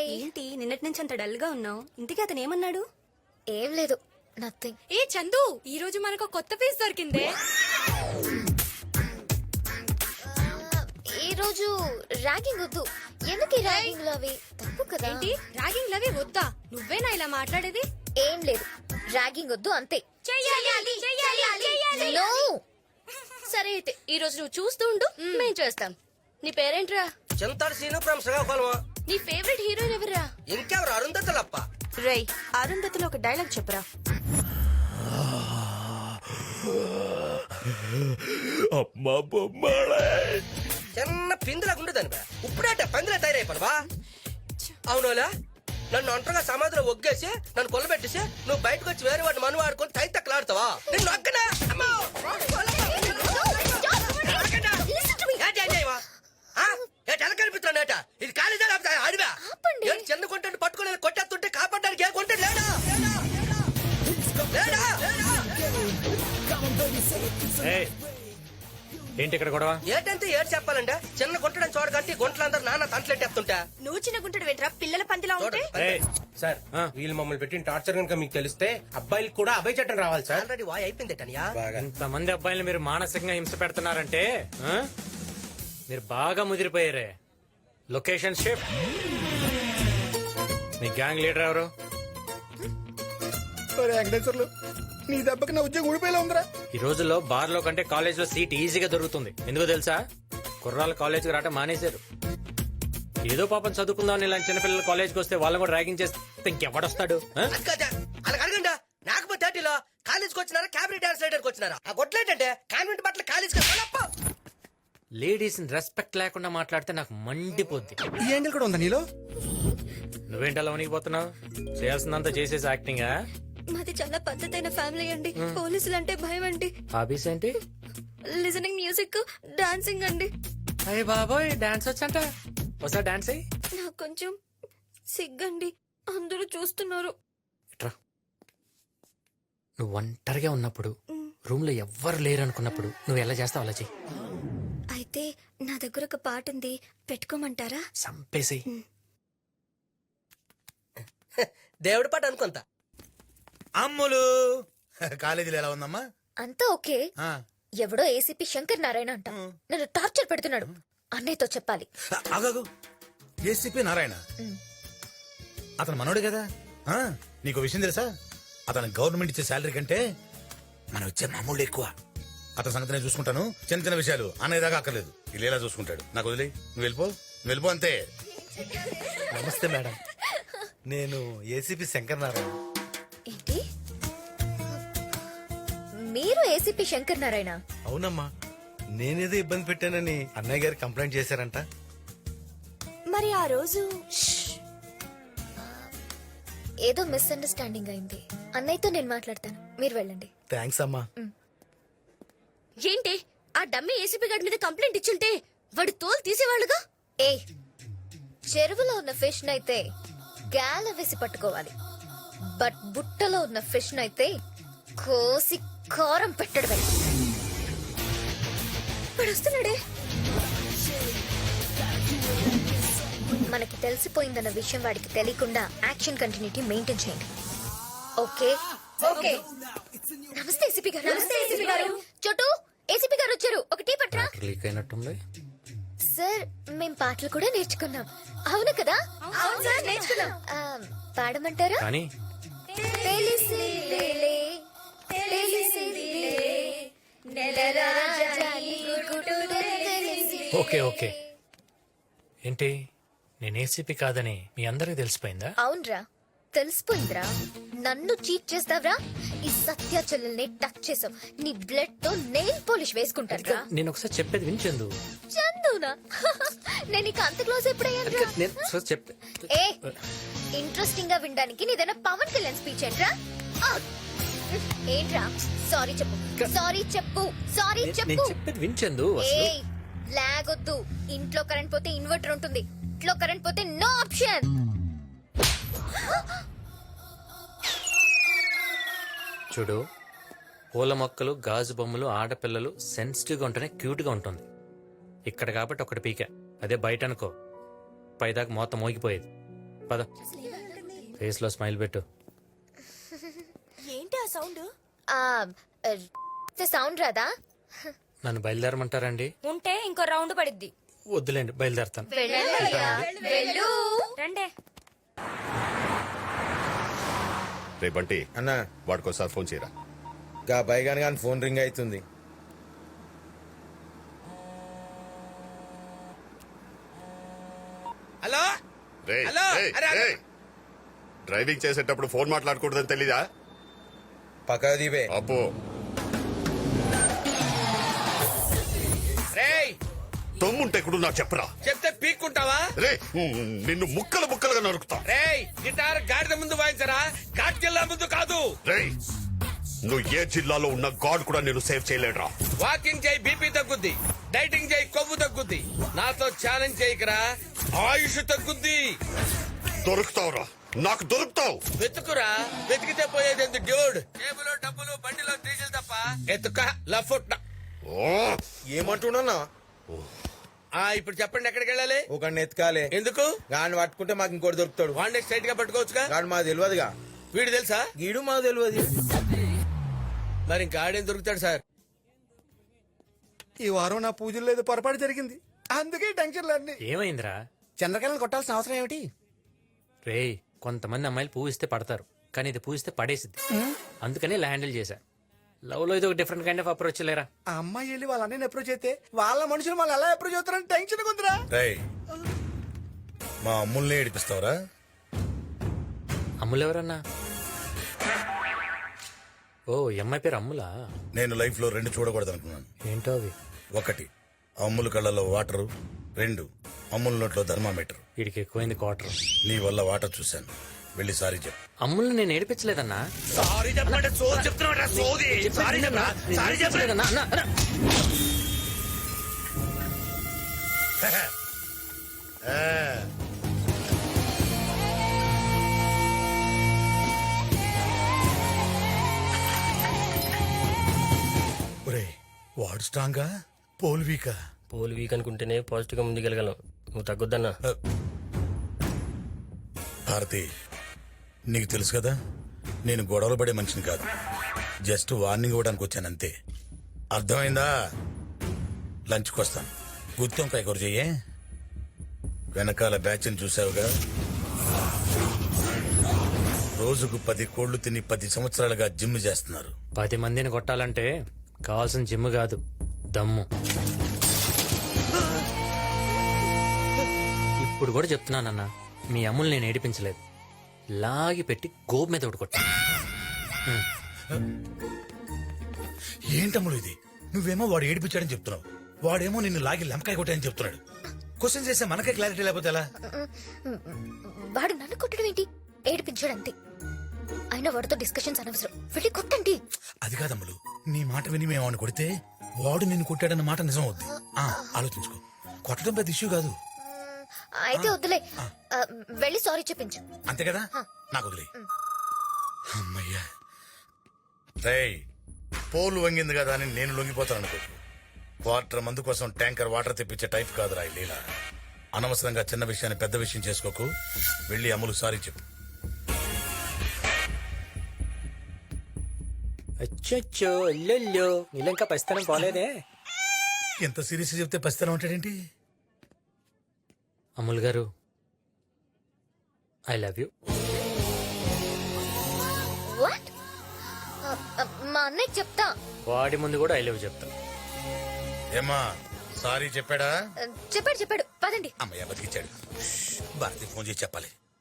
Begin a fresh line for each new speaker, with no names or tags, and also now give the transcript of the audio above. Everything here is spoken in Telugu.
ఏంటి నిన్నటి నుంచి అంత డల్ గా ఉన్నావు? ఇంతకీ అతను ఏమన్నాడు?
ఏం లేదు, నథింగ్.
ఏ చందు, ఈ రోజు మనకు కొత్త పీస్ దొరికిందే.
ఈ రోజు ర్యాగింగ్ వద్దు. ఎందుకు ర్యాగింగ్ లో అవి తప్పు కదా?
ఏంటి ర్యాగింగ్ లవి వద్దా? నువ్వేనా ఇలా మాట్లాడేది?
ఏం లేదు, ర్యాగింగ్ వద్దు అంతే.
No. సరే అయితే ఈ రోజు నువ్వు చూస్తూ ఉండు, మేం చేస్తాం. నీ పేరేంట్రా?
చింతాడు సీను ఫ్రమ్ శ్రీకాకుళం.
నీ ఫేవరెట్ హీరోయిన్ ఎవరా?
ఇంకెవరు? అరుంధతులప్ప.
రై అరుంధతిలో ఒక డైలాగ్ చెప్పురా.
అమ్మా బొమ్మడే
చిన్న పిందులాగా ఉండదని బా. ఇప్పుడేట పందిలా తయారైపోను బా. అవునోలా, నన్ను ఒంటరిగా సమాధిలో ఒగ్గేసి నన్ను కొల్లబెట్టేసి నువ్వు బయటకు వచ్చి వేరే వాడిని మను వాడుకొని తైతక్కలాడుతావా? నిన్ను ఒక్కనా? అమ్మో! కనిపిస్తున్నాడట. ఇది కాలేజా అడివా? చిన్న కొంటే పట్టుకుని కొట్టేస్తుంటే కాపాడడానికి ఏ కొంటే లేడా?
ఏంటి ఇక్కడ గొడవ?
ఏటంటే ఏడు చెప్పాలంటే చిన్న గుంటడని చూడకంటే గుంటలందరూ నాన్న తంటలెట్టేస్తుంటా.
నువ్వు చిన్న గుంటడు వెంట్రా, పిల్లల పందిలా ఉంటే.
సార్ వీళ్ళు మమ్మల్ని పెట్టిన టార్చర్ కనుక మీకు తెలిస్తే అబ్బాయిలు కూడా అభయ చట్టం రావాలి సార్.
ఆల్రెడీ వాయ్ అయిపోయిందేటనియా.
ఇంతమంది అబ్బాయిలు మీరు మానసికంగా హింస పెడుతున్నారంటే మీరు బాగా ముదిరిపోయారే. Location shift. మీ గ్యాంగ్ లీడర్ ఎవరు?
వెంకటేశ్వర్లు, నీ దెబ్బకి నా ఉద్యోగం ఊడిపోయేలా ఉందిరా.
ఈ రోజుల్లో బార్ లో కంటే కాలేజ్ లో సీట్ ఈజీగా దొరుకుతుంది. ఎందుకో తెలుసా? కుర్రాళ్ళు కాలేజ్కి రావటం మానేశారు. ఏదో పాపం చదువుకుందాం ఇలాంటి చిన్నపిల్లలు కాలేజ్కి వస్తే వాళ్ళని కూడా ర్యాగింగ్ చేస్తే ఇంకెవడొస్తాడు?
అలా అడగండా. నాకపోతే థర్టీలో కాలేజ్కి వచ్చినారా, క్యాబినెట్ డాన్స్ రైడర్కి వచ్చినారా? ఆ గొట్లేంటంటే కాన్వెంట్ బట్టలు కాలేజ్కి
లేడీస్ రెస్పెక్ట్ లేకుండా మాట్లాడితే నాకు మండిపోద్ది.
ఈ యాంగిల్ కూడా ఉందా నీలో?
నువ్వేంటలా వణికిపోతున్నావు? చేయాల్సిందంతా చేసేసి యాక్టింగా?
మాది చాలా పద్ధతైన ఫ్యామిలీ అండి. పోలీసులు అంటే భయం అండి.
హాబీస్ ఏంటి?
లిజనింగ్ మ్యూజిక్, డాన్సింగ్ అండి.
అయ్య బాబోయ్, డాన్స్ వచ్చంట. ఒకసారి డాన్స్ అయ్యి.
నాకు కొంచెం సిగ్గండి, అందరూ చూస్తున్నారు.
ఇట్రా. నువ్వు ఒంటరిగా ఉన్నప్పుడు, రూమ్ లో ఎవ్వరు లేరు అనుకున్నప్పుడు నువ్వు ఎలా చేస్తావు అలా చెయ్యి.
అయితే నా దగ్గర ఒక పాట ఉంది, పెట్టుకోమంటారా?
సంపేసి.
దేవుడి పాట అనుకుంటా.
అమ్ములు కాలేజీలో ఎలా ఉందమ్మా?
అంతా ఓకే. ఎవడో ఏసీపీ శంకర్ నారాయణ అంట నన్ను టార్చర్ పెడుతున్నాడు. అన్నయ్యతో చెప్పాలి.
ఆగాగు, ఏసీపీ నారాయణ అతను మనోడు కదా. నీకు విషయం తెలుసా? అతను గవర్నమెంట్ ఇచ్చే శాలరీ కంటే మనం ఇచ్చే మామూలు ఎక్కువ. అతని సంగతి నేను చూసుకుంటాను. చిన్న చిన్న విషయాలు అనేదాకా అక్కర్లేదు. ఇలా చూసుకుంటాడు. నాకు వదిలే, నువ్వు వెళ్ళిపో అంతే.
నమస్తే మేడం, నేను ఏసీపీ శంకర్ నారాయణ.
ఏంటి, మీరు ఏసీపీ శంకర్ నారాయణ?
అవునమ్మా, నేనేదో ఇబ్బంది పెట్టానని అన్నయ్య గారు కంప్లైంట్ చేశారంట.
మరి ఆ రోజు
ఏదో మిస్అండర్స్టాండింగ్ అయింది. అన్నయ్యతో నేను మాట్లాడతాను, మీరు వెళ్ళండి.
థ్యాంక్స్ అమ్మా.
ఏంటి ఆ డమ్మీ ఏసీపీ గారి మీద కంప్లైంట్ ఇచ్చుంటే వాడు తోలు తీసేవాళ్ళుగా.
ఏ, చెరువులో ఉన్న ఫిష్ నైతే గాల వేసి పట్టుకోవాలి, బట్ బుట్టలో ఉన్న ఫిష్ నైతే కోసి కారం పెట్టడమే. వాడు వస్తున్నాడే. మనకి తెలిసిపోయిందన్న విషయం వాడికి తెలియకుండా యాక్షన్ కంటిన్యూటీ మెయింటైన్ చేయండి. Okay okay. నమస్తే ఏసీపీ గారు. నమస్తే ఏసీపీ గారు. చోటు, ఏసీపీ గారు వచ్చారు, ఒక టీ పట్రా.
లీక్ అయినట్టుంది
సార్. మేం పాటలు కూడా నేర్చుకున్నాం. అవును కదా? అవును సార్, నేర్చుకున్నాం. పాడమంటారా?
కానీ
తెలిసిలేలే, తెలిసిలేలే, నెలరాజాని గుడుడు తెలిసి.
Okay okay. ఏంటి, నేను ఏసీపీ కాదని మీ అందరికి తెలిసిపోయిందా?
అవునరా, తెలిసిపోయిందిరా. నన్ను చీట్ చేస్తావరా? ఈ సత్య చెల్లెల్ని టచ్ చేసావు, నీ బ్లడ్ తో నెయిల్ పాలిష్ వేసుకుంటారా?
నేను ఒకసారి చెప్పేది వినిచెందు.
చందునా? నేను ఇక అంత క్లోజ్ ఎప్పుడయ్యాను? ఏ, ఇంట్రెస్టింగ్ గా వినడానికి నీదైనా పవన్ కళ్యాణ్ స్పీచ్ ఏంట్రా? ఏంట్రా? సారీ చెప్పు, సారీ చెప్పు, సారీ చెప్పు.
చెప్పేది వినిచెందు.
ఏ, లాగొద్దు. ఇంట్లో కరెంట్ పోతే ఇన్వర్టర్ ఉంటుంది, ఇంట్లో కరెంట్ పోతే నో ఆప్షన్.
చూడు, పూల మొక్కలు, గాజు బొమ్మలు, ఆడపిల్లలు సెన్సిటివ్ గా ఉంటేనే క్యూట్ గా ఉంటుంది. ఇక్కడ కాబట్టి ఒకటి పీక, అదే బయట అనుకో పైదాకా మొత్తం మోగిపోయేది. పద ఫేస్ లో స్మైల్ పెట్టు.
ఏంటి ఆ సౌండ్?
సౌండ్ రాదా?
నన్ను బయలుదేరమంటారండి?
ఉంటే ఇంకో రౌండ్ పడిద్ది.
వద్దులేండి, బయలుదేరతాను.
వెళ్ళు.
రండే.
రే బంటి,
అన్నా
వాడికోసారి ఫోన్ చేయరా.
గా బైగాన్ గాని ఫోన్ రింగ్ అవుతుంది.
హలో
రే
హలో, అరే, అరే.
డ్రైవింగ్ చేసేటప్పుడు ఫోన్ మాట్లాడకూడదని తెలీదా?
పక్క దీపే
అబ్బో,
రేయ్
తమ్ముంటే కూడా నాకు చెప్పరా.
చెప్తే పీక్కుంటావా?
రే నిన్ను ముక్కలు ముక్కలుగా నరుకుతా.
రేయ్ గిటార్ గాడిద ముందు వాయించరా, ఘాట్ జిల్లా ముందు కాదు.
రే నువ్వు ఏ జిల్లాలో ఉన్న గాడ్ కూడా నేను సేవ్ చేయలేడురా.
వాకింగ్ చేయి బీపీ తగ్గుద్ది, డైటింగ్ చేయి కొవ్వు తగ్గుద్ది, నాతో ఛాలెంజ్ చేయకరా ఆయుష్ తగ్గుద్ది.
దొరుకుతావురా, నాకు దొరుకుతావు.
వెతుకురా, వెతికితే పోయేది ఎందుకు డ్యూడ్? టేబుల్ డబ్బులు బండిలో డీజిల్ తప్ప ఎత్తుక లఫుట్.
ఓ,
ఏమంటున్నా?
ఇప్పుడు చెప్పండి ఎక్కడికి వెళ్ళాలి?
ఒక ఎత్కాలే.
ఎందుకు?
గాని పట్టుకుంటే మాకు ఇంకోటి దొరుకుతాడు.
వాడిని స్ట్రైట్ గా పట్టుకోవచ్చుగా.
గాని మాకు తెలియదుగా.
వీడు తెలుసా?
గీడు మాకు తెలియదు.
మరి ఇంకా ఆడేం దొరుకుతాడు సార్?
ఈ వారం నా పూజలు లేదు, పొరపాటు జరిగింది, అందుకే టెన్షన్లు అన్ని.
ఏమైందిరా?
చంద్రకళను కొట్టాల్సిన అవసరం ఏమిటి?
రేయ్, కొంతమంది అమ్మాయిలు పూవిస్తే పడతారు, కానీ ఇది పూవిస్తే పడేసిద్ది. అందుకని ఇలా హ్యాండిల్ చేశా. లవ్ లో ఇది ఒక డిఫరెంట్ కైండ్ ఆఫ్ అప్రోచ్ లేరా.
ఆ అమ్మాయి వెళ్ళి వాళ్ళ అన్నయ్యని అప్రోచ్ అయితే వాళ్ళ మనుషులు మళ్ళీ ఎలా అప్రోచ్ అవుతారని టెన్షన్ ఉందిరా.
మా అమ్ముల్ని ఏడిపిస్తావరా?
అమ్ములు ఎవరన్నా? ఓ, ఈ అమ్మాయి పేరు అమ్ములా?
నేను లైఫ్ లో 2 చూడకూడదు అనుకున్నాను.
ఏంటో అవి?
1 అమ్ముల కళ్ళలో వాటరు, 2 అమ్ముల నోట్లో థర్మామీటర్.
వీడికి ఎక్కువైంది క్వార్టర్.
నీ వల్ల వాటర్ చూశాను, వెళ్ళి సారీ చెప్పు.
అమ్ముల్ని నేను ఏడిపించలేదన్నా.
సారీ చెప్పండి, సోది చెప్తున్నా సోది. సారీ చెప్పరా, సారీ చెప్పలేదన్నా.
ఒరేయ్, వాడు స్ట్రాంగా, పోల్ వీకా?
పోల్ వీక్ అనుకుంటేనే పాజిటివ్ గా ముందుకెళ్ళగలం. నువ్వు తగ్గొద్దన్నా.
భారతి, నీకు తెలుసు కదా నేను గొడవలు పడే మనిషిని కాదు. జస్ట్ వార్నింగ్ ఇవ్వడానికి వచ్చానంతే. అర్థమైందా? లంచ్కి వస్తాను. గుత్తొంకాయ కూర చెయ్యే. వెనకాల బ్యాచ్ని చూసావుగా, రోజుకు 10 కోళ్లు తిని 10 సంవత్సరాలుగా జిమ్ చేస్తున్నారు.
10 మందిని కొట్టాలంటే కావాల్సిన జిమ్ కాదు, దమ్ము. ఇప్పుడు కూడా చెప్తున్నానన్నా, మీ అమ్ముల్ని నేను ఏడిపించలేదు. లాగి పెట్టి గోపు మీద ఒకటి కొట్టా.
ఏంటమ్ముడు ఇది? నువ్వేమో వాడు ఏడిపించాడని చెప్తున్నావు, వాడేమో నిన్ను లాగి లెంకాయ కొట్టాయని చెప్తున్నాడు. క్వశ్చన్ చేస్తే మనకే క్లారిటీ లేకపోతే ఎలా?
వాడు నన్ను కొట్టడం ఏంటి? ఏడిపించాడంతే. అయినా వాడితో డిస్కషన్స్ అనవసరం, వెళ్ళి కొట్టండి.
అది కాదమ్ములు, నీ మాట విని మేము ఆమెను కొడితే వాడు నిన్ను కొట్టాడన్న మాట నిజం అవుద్ది. ఆలోచించుకో, కొట్టడం పెద్ద ఇష్యూ కాదు.
అయితే వద్దులే, వెళ్ళి సారీ చెప్పించు.
అంతే కదా, నాకు వదిలే. అమ్మయ్యా. రేయ్, పోలు వంగింది కదా అని నేను లొంగిపోతాను అనుకో. క్వార్టర్ మందు కోసం ట్యాంకర్ వాటర్ తెప్పించే టైప్ కాదురా ఈ లీల. అనవసరంగా చిన్న విషయాన్ని పెద్ద విషయం చేసుకోకు. వెళ్ళి అమ్ములు సారీ చెప్పు.
అచ్చో అల్లెల్లో, నీళ్ళంకా పసితనం పోలేదే.
ఎంత సీరియస్ చెప్తే పసితనం ఉంటాడేంటి?
అమ్ముల్ గారు, ఐ లవ్ యూ.
వాట్? మా అన్నయ్య చెప్తా.
వాడి ముందు కూడా ఐ లవ్ చెప్తా.
ఏమా, సారీ చెప్పాడా?
చెప్పాడు పదండి.
అమ్మయ్య బతికిచ్చాడు. భారతి ఫోన్ చేసి చెప్పాలి.